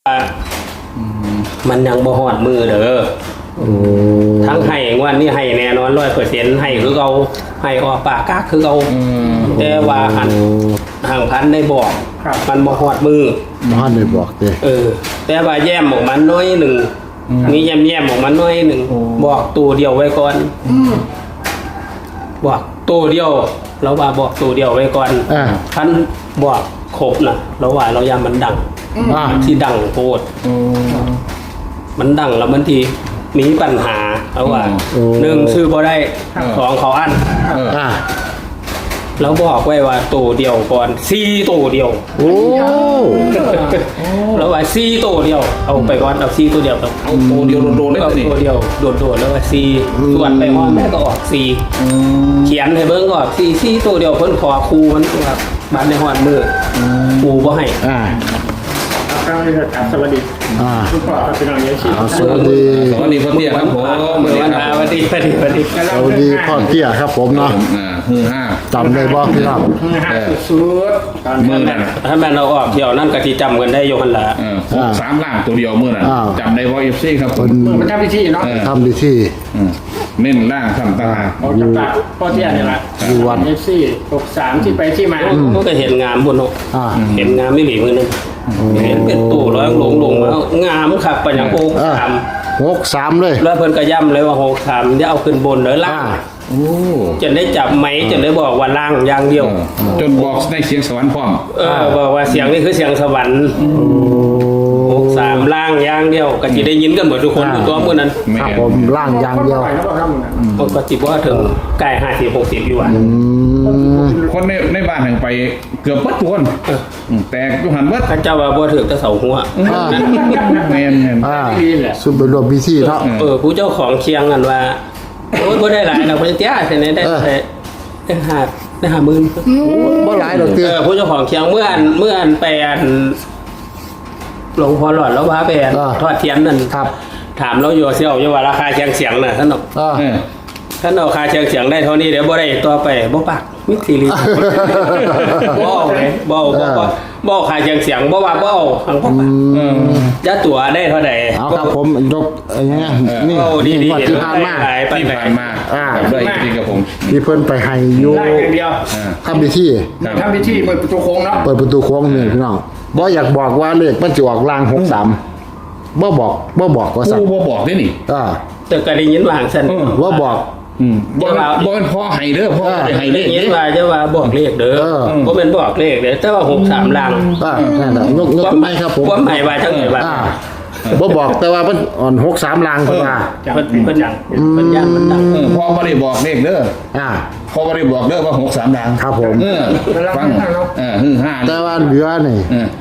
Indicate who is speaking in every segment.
Speaker 1: มันยังบ่ฮอดมือเด้อทั้งให้วันนี้ให้แน่นอน100%ให้คือเอาให้ออกปากกากคือเอาแต่ว่าห่างพันได้บอกมันบ่ฮอดมือ
Speaker 2: บ่ได้บอกเด้
Speaker 1: แต่ว่าแย้มออกมันน้อยหนึ่งมีแย้มออกมันน้อยหนึ่งบอกตัวเดียวไว้ก่อนบอกตัวเดียวเราว่าบอกตัวเดียวไว้ก่อนคันบอกครบน่ะเราว่าเรายามมันดังที่ดังโพดมันดังแล้วมันทีมีปัญหาเพราะว่า1ซื้อบ่ได้2เขาอั้นแล้วบอกไว้ว่าตัวเดียวก่อน4ตัวเดียว
Speaker 2: โอ้
Speaker 1: แล้วว่า4ตัวเดียวเอาไปก่อนเอา4ตัวเดียว
Speaker 3: เอาตัวเดียวโดนๆได้
Speaker 1: นี่ตัวเดียวโดนๆแล้วว่า4ส่วนไปห้องแม่ก็ออก4เขียนให้เบิ่งก็ออก4ตัวเดียวเพิ่นขอครูมันครับบ้านในฮอดมือครูบ่ให้
Speaker 4: สวัสดีทุกคนเป็นอย่างนี้ชิ
Speaker 2: สวัสดี
Speaker 3: พ่อเตี้ยครับผม
Speaker 1: สวัสดี
Speaker 2: พ่อเตี้ยครับผมเนาะจำได้บ่พี่น้อง
Speaker 4: สุด
Speaker 3: มือนั่น
Speaker 1: ถ้าแม่เราออกเที่ยวนั่นก็ที่จำกันได้อยู่หั่นล่ะ
Speaker 3: 3ล่างตัวเดียวมือนั่นจำได้บ่ FC ครับ
Speaker 4: มันทำพิธีเนาะ
Speaker 2: ทำพิธี
Speaker 3: เน้นล่างทำตา
Speaker 4: อยู่พ่อเตี้ยเนี่ยแหละ
Speaker 2: อยู่วัด
Speaker 4: FC 63ที่ไปที่มา
Speaker 1: ก็เห็นงามพุ่นเนาะเห็นงามไม่หลีมือนึงเห็นเป็นตู้ร้อยลงมางามคักปะหยัง
Speaker 2: 63เลย
Speaker 1: แล้วเพิ่นก็ย้ำเลยว่า63อย่าเอาขึ้นบนเด้อล่างจะได้จับไหมจะได้บอกว่าล่างอย่างเดียว
Speaker 3: จนบอกได้เสียงสวรรค์พร้อม
Speaker 1: บอกว่าเสียงนี่คือเสียงสวรรค์63ล่างอย่างเดียวก็สิได้ยินกันหมดทุกคนตัวมื้อนั้น
Speaker 2: ครับผมล่างอย่างเดียว
Speaker 1: ก็สิบ่ถึงใกล้50 60อยู่อ่ะ
Speaker 3: คนในบ้านแห่งไปเกือบทุกคนแต่ทุกหันว่า
Speaker 1: เจ้าว่าบ่ถึงแต่เสาหัว
Speaker 3: แม่น
Speaker 2: สุดเป็นรวมพิธีเนาะ
Speaker 1: ผู้เจ้าของเคียงกันว่าโอ้ยบ่ได้หลายนะเพิ่นเตี้ยแค่นี้ได้50,000
Speaker 2: บ่หลายดอกเตี้ย
Speaker 1: ผู้เจ้าของเคียงเมื่ออันไปอันหลวงพ่อหลอดแล้วพาไปทอดเทียนนั่นถามเราอยู่เสี่ยวอยู่ว่าราคาเสียงน่ะท่านบอกท่านเอาคาเสียงได้เท่านี้เดี๋ยวบ่ได้ต่อไปบ่ปากมิตรซีรีส์บ่เลยบ่คาเสียงบ่ว่าบ่หังบ่ปากจะตั๋วได้เท่าใด
Speaker 2: เอาครับผมยกอย่างเงี้ยนี่ที่ผ่านมา
Speaker 3: ด้วยที่กับผม
Speaker 2: ที่เพิ่นไปให้อยู่ทำพิธี
Speaker 4: เปิดประตูโค้งเนาะ
Speaker 2: เปิดประตูโค้งนี่พี่น้องบ่อยากบอกว่าเลขมันจะออกล่าง63บ่บอกว่าสั่น
Speaker 3: บ่บอกได้นี่
Speaker 1: แต่ก็ได้ยินว่าซั่น
Speaker 2: ว่าบอก
Speaker 3: บ่เป็นพ่อให้เด้อพ่อให้เลข
Speaker 1: ยินว่าจะว่าบอกเลขเด้อบ่แม่นบอกเลขเด้อแต่ว่า63ล่าง
Speaker 2: นั่นน่ะยกไม่ครับผม
Speaker 1: บ่หมายว่าจังได๋ว่า
Speaker 2: บ่บอกแต่ว่ามันอ่อน63ล่างเพิ่นว่า
Speaker 1: เพิ่นย่านมันดัง
Speaker 3: พ่อบ่ได้บอกเลขเด้อพ่อบ่ได้บอกเด้อว่า63ล่าง
Speaker 2: ครับผม
Speaker 3: ฟัง
Speaker 2: 5แต่ว่าเหลือนี่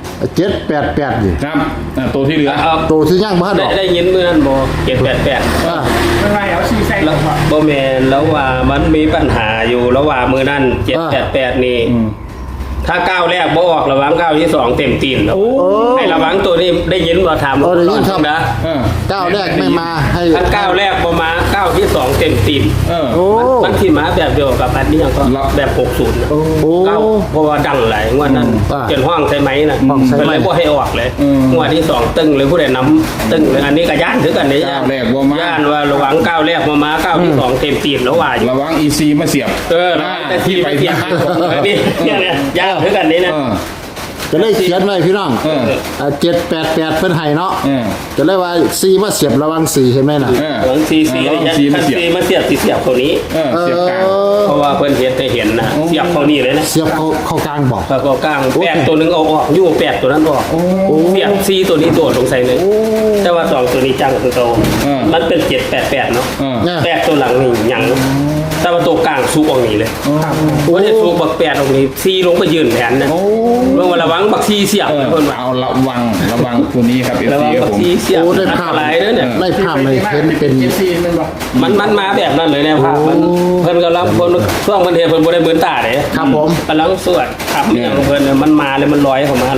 Speaker 2: 788นี่
Speaker 3: ครับตัวที่เหลือ
Speaker 2: ตัวที่ยังบ่ดอก
Speaker 1: ได้ยินมื้อนั้นบ่788
Speaker 4: มันว่าเอาชี้ใส่
Speaker 1: บ่แม่นแล้วว่ามันมีปัญหาอยู่แล้วว่ามื้อนั้น788นี่ถ้าก้าวแรกบ่ออกระวังก้าวที่2เต็มตีนแล้วให้ระวังตัวนี้ได้ยินบ่ถาม
Speaker 2: ได้ยินครับ
Speaker 1: นะ
Speaker 2: ก้าวแรกไม่มาให้
Speaker 1: ถ้าก้าวแรกบ่มาก้าวที่2เต็มตีนมันที่มาแบบเดียวกับอันนี้ก็แบบ60นะก้าวเพราะว่าดังหลายงวดนั้นจนห้องใช่มั้ยน่ะเป็นไรบ่ให้ออกเลยงวดที่2ตึ้งเลยผู้ใดนำตึ้งเลยอันนี้ก็ย่านคือกันนี่
Speaker 3: ก้าวแรกบ่มา
Speaker 1: ย่านว่าระวังก้าวแรกบ่มาก้าวที่2เต็มตีนแล้วว่าอยู่
Speaker 3: ระวัง EC มาเสียบ
Speaker 1: แต่ที่ไปเสียบนี่ย่านคือกันนี่นะ
Speaker 2: จะได้เขียนไว้พี่น้อง788เพิ่นให้เนาะจะได้ว่า4มาเสียบระวัง4เห็นมั้ยน่ะ
Speaker 1: ระวัง4มาเสียบตัวนี้
Speaker 3: เสียบกลาง
Speaker 1: เพราะว่าเพิ่นเห็นนะเสียบเข้านี่เลยนะ
Speaker 2: เสียบเข้ากลางบ่
Speaker 1: เข้ากลาง8ตัวนึงเอาออกอยู่8ตัวนั้นออกเสียบ4ตัวนี้โดดลงใส่เลยแต่ว่า2ตัวนี้จังคือโตมันเป็น788เนาะ8ตัวหลังนี่หยังแต่ว่าตัวกลางซุกออกนี่เลยว่าจะซุกบัก8ออกนี่4ลงไปยืนแทนนะลงมาระวังบัก4เสียบเพิ่นว่า
Speaker 3: เอาระวังตัวนี้ครับ FC ครับผม
Speaker 1: โอ้ได้ภาพหลายเด้อเนี่ย
Speaker 2: ได้ภาพเลยเห็นเป็น
Speaker 4: FC
Speaker 1: มันมาแบบนั้นเลยแนวภาพมันเพิ่นกำลังคนช่วงมันเห็นเพิ่นบ่ได้เบิ่นตาเด้
Speaker 2: ครับผม
Speaker 1: กำลังสวดครับอย่างเพิ่นมันมาเลยมันลอยเข้ามา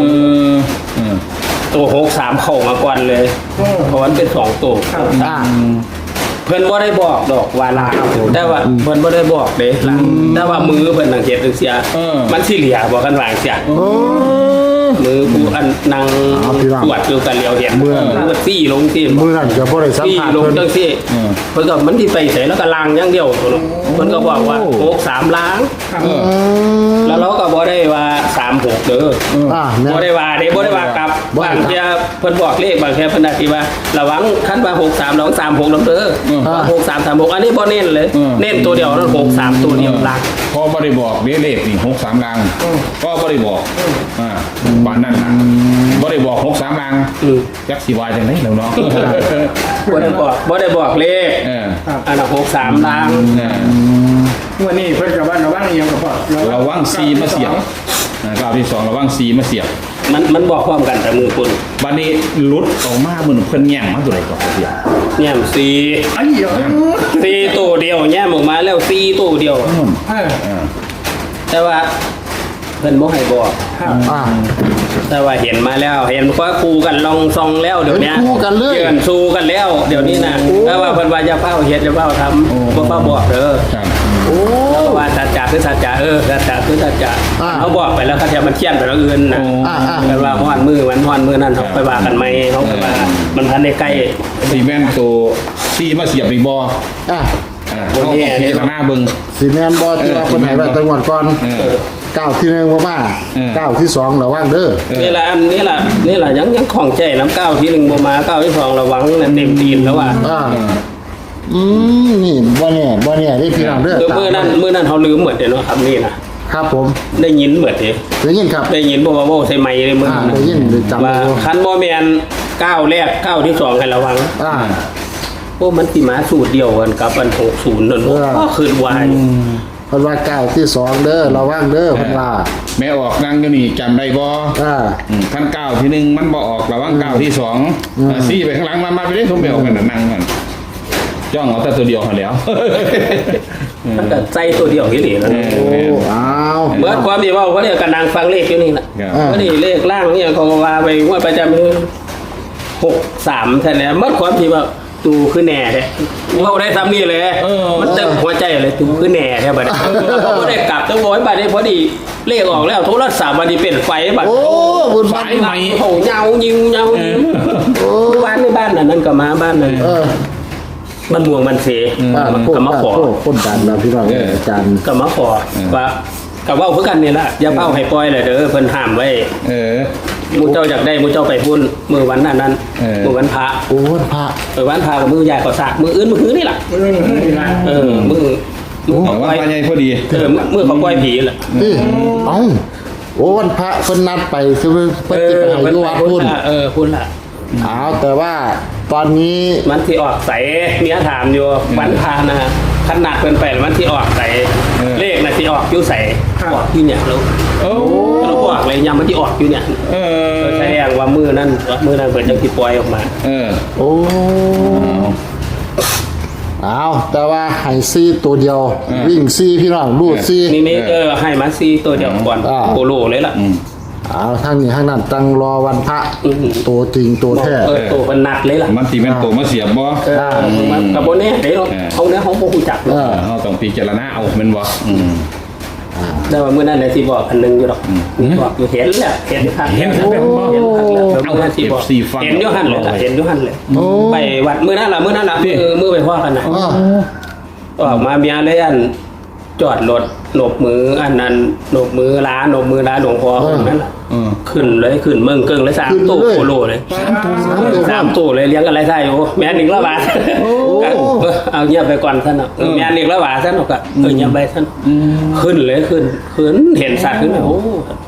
Speaker 1: ตัว63เข้ามาก่อนเลยเพราะมันเป็น2ตัวเพิ่นบ่ได้บอกดอกว่าลาแต่ว่าเพิ่นบ่ได้บอกเด้แต่ว่ามือเพิ่นสังเกตจังซี่มันสิเหลียบ่กันวางเสียมือผู้อันนางตรวจอยู่กันเหลียวเห็นมือซี่ลงที่
Speaker 2: มือนั่นก็บ่ได้สัม
Speaker 1: ซี่
Speaker 2: ผัส
Speaker 1: ลง
Speaker 2: เพิ่น
Speaker 1: จังซี่เพิ่นก็มันที่ไปใส่แล้วก็ล้างอย่างเดียวเพิ่นก็บอกว่า63ล้างแล้วเราก็บ่ได้ว่า36เด้อ
Speaker 2: แม่
Speaker 1: บ่ได้ว่าเด้บ่ได้ว่ากลับบางเที่ยเพิ่นบอกเลขบางเที่ยเพิ่นอาจสิว่าระวังคันว่า63ระวัง36นำเด้อ6336อันนี้บ่เน้นเลยเน้นตัวเดียวนั่น63ตัวเดียวล้าง
Speaker 3: พอบ่ได้บอกเลขนี่63ลังก็บ่ได้บอกบ้านนั้นน่ะบ่ได้บอก63ลังจักสิว่าจังได๋แล้วเนาะ
Speaker 1: บ่ได้บอกเลขอันนั้น63ล้าง
Speaker 4: วันนี้เพิ่นกับว่าระวังยังกับพ่อ
Speaker 3: ระวังซีมาเสียบก้าวที่2ระวังซีมาเสียบ
Speaker 1: มันบอกพร้อมกันแต่มือคุณ
Speaker 3: บัดนี้หลุดออกมาเหมือนเพิ่นแย่งมาตัวใดก่อนเสียบ
Speaker 1: แย้มซี
Speaker 4: ไอ้เหี้ย
Speaker 1: ซีตัวเดียวแย้มออกมาแล้วซีตัวเดียว แต่ว่าเพิ่นบ่ให้บอก แต่ว่าเห็นมาแล้วเห็นว่าคู่กันลองซองแล้วเดี๋ยวนี้
Speaker 2: คู่กันเลย
Speaker 1: เกินสู้กันแล้วเดี๋ยวนี้นะแต่ว่าเพิ่นว่าจะเฝ้าเฮ็ดจะเฝ้าทำบ่เฝ้าบอกเด้อ
Speaker 3: ครับ
Speaker 2: โอ้
Speaker 1: แล้วว่าสัจจะคือสัจจะสัจจะคือสัจจะเขาบอกไปแล้วเขาจะมันเทียนไปแล้วอื่นนะเพิ่นว่าฮ้อนมือนั้นเขาไปว่ากันไหมเขาไปว่ามันทันได้ใกล้
Speaker 3: ซีแม่นตัวซีมาเสียบอีกบ่ เขาพิจารณาเบิ่ง
Speaker 2: สิแม่นบ่ที่ว่าเพิ่นให้ไว้ตั้งวันก่อนก้าวที่1บ่มาก้าวที่2ระวังเด้อ
Speaker 1: นี่แหละยังของใจน้ำก้าวที่1บ่มาก้าวที่2ระวังนั่นเต็มตีนแล้วว่า
Speaker 2: นี่บ่แน่ได้พี่น้องเด้อ
Speaker 1: มื้อนั้นเขาลืมหมดเนาะครับนี่นะครับ
Speaker 2: ผม
Speaker 1: ได้ยินหมดเด้
Speaker 2: ได้ยินครับ
Speaker 1: ได้ยินบ่ว่าเว้าใส่ไมค์เลยมื้อนั้น
Speaker 2: ได้ยินจำ
Speaker 1: ว่า
Speaker 2: ได้
Speaker 1: คันบ่แม่นก้าวแรกก้าวที่2ให้ระวังโอ้มันสิมาสูตรเดียวกันกับอัน60นั่นก็คือวาย
Speaker 2: เพิ่นว่าก้าวที่2เด้อระวังเด้อเพิ่นว่า
Speaker 3: แม่ออกนั่งอยู่นี่จำได้บ่ท่านก้าวที่1มันบ่ออกระวังก้าวที่2ซีไปข้างหลังมาไปได้ทุ่มไปออกกันนั่งกันจ้องเอาแต่ตัวเดียวหั่นแล้ว
Speaker 1: มันก็ใจตัวเดียวอีหลีนะ
Speaker 2: โอ้อ้าว
Speaker 1: เมื่อความที่เว้าเขาเรียกกันนางฟังเลขอยู่นี่น่ะก็นี่เลขล่างเนี่ยเขาก็ว่าไปว่าประจำคือ63แท้แล้วเมื่อความที่ว่าตูคือแหน่แท้เว้าได้ซ้ำนี่เลยมันเต็มหัวใจเลยตูคือแหน่แท้บัดนี้เขาบ่ได้กลับจังบ่ให้บัดนี้พอดีเลขออกแล้วโทรศัพท์บัดนี้เป็นไฟบัด
Speaker 2: โอ้บุญ
Speaker 3: สายใหม่
Speaker 1: โหเงายิงบ้านในบ้านนั่นก็มาบ้านนั่นมันม่วงมันเสมันก็มาขอ
Speaker 2: คนดันแล้วพี่น้องอาจารย์
Speaker 1: ก็มาขอว่ากับว่าเพื่อกันนี่แหละอย่าเป้าให้ปล่อยเลยเด้อเพิ่นห้ามไว้มูเจ้าอยากได้มูเจ้าไปพุ่นมือวันนั้นมือวันพระ
Speaker 2: โอ้พระ
Speaker 1: วันพระกับมือใหญ่ก็สากมืออื่นมือหื้อนี่แหละมือ
Speaker 3: บอกว่าใหญ่พอดี
Speaker 1: มือเขาปล่อยผีแหละ
Speaker 2: เอ้าโอ้วันพระเพิ่นนัดไปคือเพิ่นสิไปให้อยู่วัดพุ่น
Speaker 1: พุ่นล่ะ
Speaker 2: อ้าวแต่ว่าตอนนี้
Speaker 1: มันที่ออกใสเมียถามอยู่วันพระนะขนาดเพิ่นไปมันที่ออกใสเลขน่ะที่ออกอยู่ใสออกอยู่เนี่ยเราบอกเลยยังมันที่ออกอยู่เนี่ยใช่อย่างว่ามือนั่นเปิดจังที่ปล่อยออกมา
Speaker 2: โอ้อ้าวแต่ว่าให้ซีตัวเดียววิ่งซีพี่น้องรูดซี
Speaker 1: นี่ให้มาซีตัวเดียวก่อนโคโลเลยล่ะ
Speaker 2: อ้าวทางนี้ทางนั้นตั้งรอวันพระตัวจริงตัวแท้
Speaker 1: ตัวมันหนักเลยล่ะ
Speaker 3: มันสิแม่นตัวมาเสียบบ่
Speaker 1: กับโบเน่เดี๋ยวเขาเนี่ยเขาผู้จัก
Speaker 3: เฮาต้องพิจารณาเอาแม่นบ่
Speaker 1: ได้ว่ามื้อนั้นเลยที่บอกอันนึงอยู่หรอกบอกอยู่เห็นแหละเห็นครับเห็นครับเอาที่บอกเห็นอยู่หันเลยเห็นอยู่หันเลยไปวัดมื้อนั้นล่ะมื้อไปพ่อกันนะออกมาเมียเลยอันจอดรถหนบมืออันนั้นหนบมือร้านหลวงพ่อคนนั้นขึ้นเลยขึ้นเมืองเกิงเลย3ตู้โคโลเลย3ตู้เลยเลี้ยงกันไรได้โอ้แม่1ละบาทเอาเงียบไปก่อนท่านแม่1ละบาทท่านก็เงียบไปท่านขึ้นเลยขึ้นเห็นสัตว์ขึ้นโอ้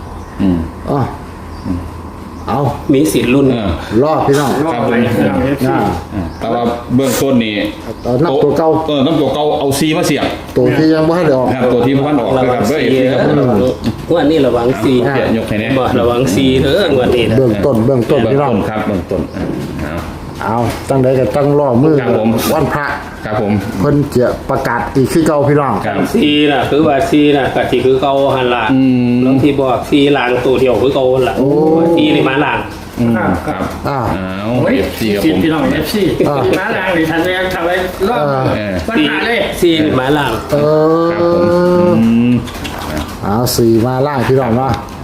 Speaker 2: เอา
Speaker 1: มีสิทธิ์รุ่น
Speaker 2: รอดพี่น้อง
Speaker 3: ครับแต่ว่าเบื้องต้นนี่
Speaker 2: นับตัวเก่า
Speaker 3: นับตัวเก่าเอาซีมาเสียบ
Speaker 2: ตัวที่ยังไม่ได้ออก
Speaker 3: ตัวที่พันออกนะครับเด้อเอฟซีครับ
Speaker 1: วันนี้ระวังซี
Speaker 3: ยกให้แน่
Speaker 1: บ่ระวังซีเด้อวันนี้
Speaker 2: เบื้องต้นพี่น้อง
Speaker 3: ครับเบื้องต้น
Speaker 2: เอาตั้งใดก็ตั้งรอมือวันพระ
Speaker 3: ครับผม
Speaker 2: เพิ่นจะประกาศอีกคือเก่าพี่น้อง
Speaker 1: ซีน่ะคือว่าซีน่ะกะที่คือเก่าหั่นล่ะแล้วที่บอกซีล้างตัวเดียวคือเก่าหั่นล่ะซีนี่มาล้าง
Speaker 3: ครับ
Speaker 4: เอฟซีครับผมพี่น้องเอฟซีมาล้างดิทันเลยทำไว้รอบปัญหาเลย
Speaker 1: ซีนี่มาล้าง
Speaker 2: เอา4มาล่างพี่น้องเนาะ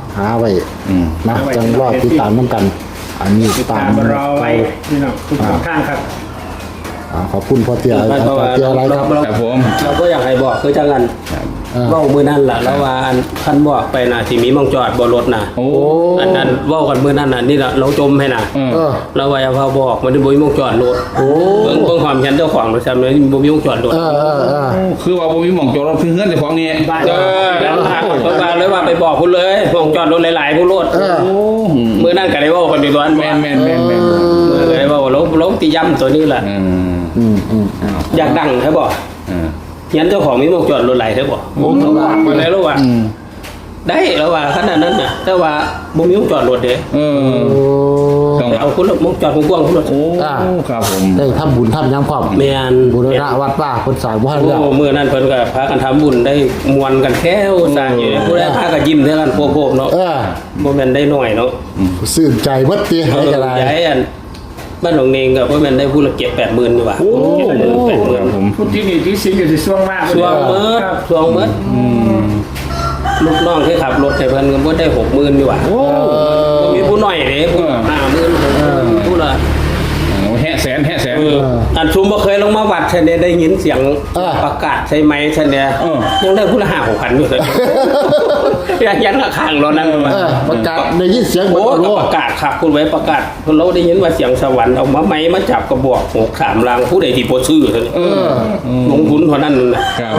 Speaker 2: หาไว้นะจังรอติดตามน้ำกัน อันนี้
Speaker 4: ตามรอไว้พี่น้องทุกท่านครับ
Speaker 2: ขอบคุณพ่อเตี้ยอาจารย์เตี้ยอะไรครับ
Speaker 3: ครับผม
Speaker 1: เราก็อยากให้บอกคือจังกันเว้ามื้อนั้นล่ะแล้วว่าอันคันบอกไปน่ะสิมีหม่องจอดบ่รถน่ะ
Speaker 3: โอ้
Speaker 1: อันนั้นเว้ากันมื้อนั้นน่ะนี่ล่ะเราจมให้น่ะแล้วว่าอย่าพาบอกมันบ่มีหม่องจอดรถเบิ่งความฉันเจ้าของด้วยซ้ำเลยบ่มีหม่องจอดรถ
Speaker 3: คือว่าบ่มีหม่องจอดรถคือเฮือนเจ้าของนี่
Speaker 1: แล้วเพิ่นว่าเลยว่าไปบอกพุ่นเลยหม่องจอดรถหลายๆพุ่นรถมื้อนั้นก็ได้เว้ากันอยู่ตอน
Speaker 3: แม่น
Speaker 1: มื้อก็ได้เว้าลงติย่ำตัวนี้ล่ะอยากดังใช่บ่ยันเจ้าของมีหมวกจอดรถไหลใช่บ่เขาบอกมาแล้วว่าได้แล้วว่าขนาดนั้นน่ะแต่ว่าบ่มีหมวกจอดรถเด้ต้องเอาคุณหมวกจอดกว้างๆคุณรถ
Speaker 3: โอ้ครับผม
Speaker 2: ได้ทำบุญทำยังพร้อม
Speaker 1: แม่น
Speaker 2: บูรณะวัดป่าคนสร้างบ้าน
Speaker 1: โอ้มื้อนั้นเพิ่นก็พากันทำบุญได้มวนกันแค่สร้างอยู่ผู้ใดพากันยิ้มเท่ากันโพกๆเนาะบ่แม่นได้น้อยเนาะ
Speaker 2: ซื่นใจเบิดติให้กัน
Speaker 1: ใหญ่อันบ้านหนองเนงก็บ่แม่นได้ผู้ละเก็บ 80,000อยู่ว่า
Speaker 3: โอ้ครับผม
Speaker 4: พูดที่นี่ที่สิงอยู่ที่ช่วงมาก
Speaker 1: ช่วงเมิดลูกน้องที่ขับรถให้เพิ่นก็บ่ได้ 60,000อยู่ว่ามีผู้น้อยเด้ผู้50,000ผู้ละ
Speaker 3: แห่แสน
Speaker 1: อันชุมบ่เคยลงมาวัดฉันเนี่ยได้ยินเสียงประกาศใช่ไหมฉันเนี่ยยังได้ผู้ละ5,000-6,000อยู่เลยยันละข้างรถนั้นว่า
Speaker 2: ประกาศได้ยินเสียง
Speaker 1: โอ้ประกาศครับคุณไว้ประกาศคุณเราได้ยินว่าเสียงสวรรค์เอามาไม้มาจับกระบอก63ลังผู้ใดที่บ่ซื้อซั่นลงทุนเท่านั้นน่ะ
Speaker 3: ครับ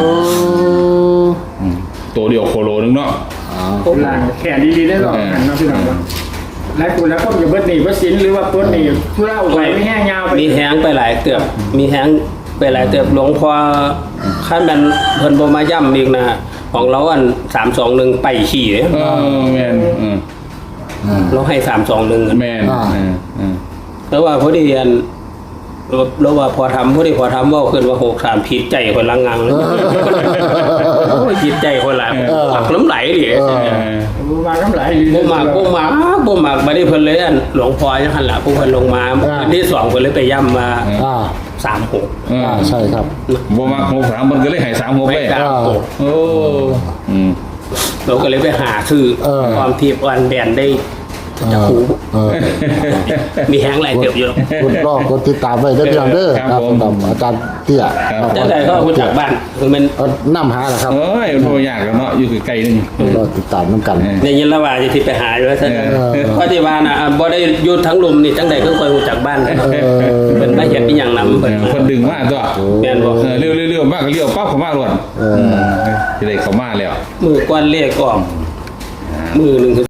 Speaker 3: ตัวเดียวโคโลนึงเนาะ
Speaker 4: หลังแขนดีๆได้หรอกกันนะพี่น้องแล้วคุณแล้วก็อย่าเบิดหนีเบิดสินหรือว่าต้นหนีผู้เล่าไปไม่แห้งยาวไป
Speaker 1: มีแห้งไปหลายเกือบมีแห้งไปหลายเกือบหลวงพ่อขั้นมันเพิ่นบ่มาย่ำอีกนะของเราอัน321ไปขี่เด้
Speaker 3: แม่น
Speaker 1: เราให้321
Speaker 3: แม่น
Speaker 1: แล้วว่าพอดีอันแล้วว่าพอทำเว้าขึ้นว่า63ผิดใจคนละงังเลยโอ้ยผิดใจคนละปักน้ำไหลดิ
Speaker 4: มาน้ำไหล
Speaker 1: บ่มากบ่ได้เพิ่นเลยอันหลวงพ่อจังหั่นล่ะผู้เพิ่นลงมาที่2เพิ่นเลยไปย่ำมา36
Speaker 2: ใช่ครับ
Speaker 3: บ่มา63มันก็เลยให้36ไปโอ้
Speaker 1: เราก็เลยไปหาซื้อความทิพย์วันแบนได้จะหูมีแห้งไหลเกือบอยู่
Speaker 2: คุณรอกดติดตามไว้ได้เพียงเด้อครับสำหรับอาจารย์เตี้ย
Speaker 1: จังได๋ก็รู้จักบ้านคือมัน
Speaker 2: น้ำหาแหละครับ
Speaker 3: เอ้ยโทรยากแล้วเนาะอยู่ไกลๆนึง
Speaker 2: รอติดตามน้ำกัน
Speaker 1: ในยินละว่าจะที่ไปหาอยู่ว่าซั่นเพราะที่ว่าน่ะบ่ได้อยู่ทั้งลุมนี่จังได๋ก็ค่อยรู้จักบ้านเป็นมาเฮ็ดอีหยังนำเพิ่น
Speaker 3: ดึงมาตัว
Speaker 1: แม่นบ่
Speaker 3: เร็วๆมากก็เลี้ยวปั๊บเข้ามาล้วนสิได้เข้ามาแล้ว
Speaker 1: มือก้อนเลขออกมือนึง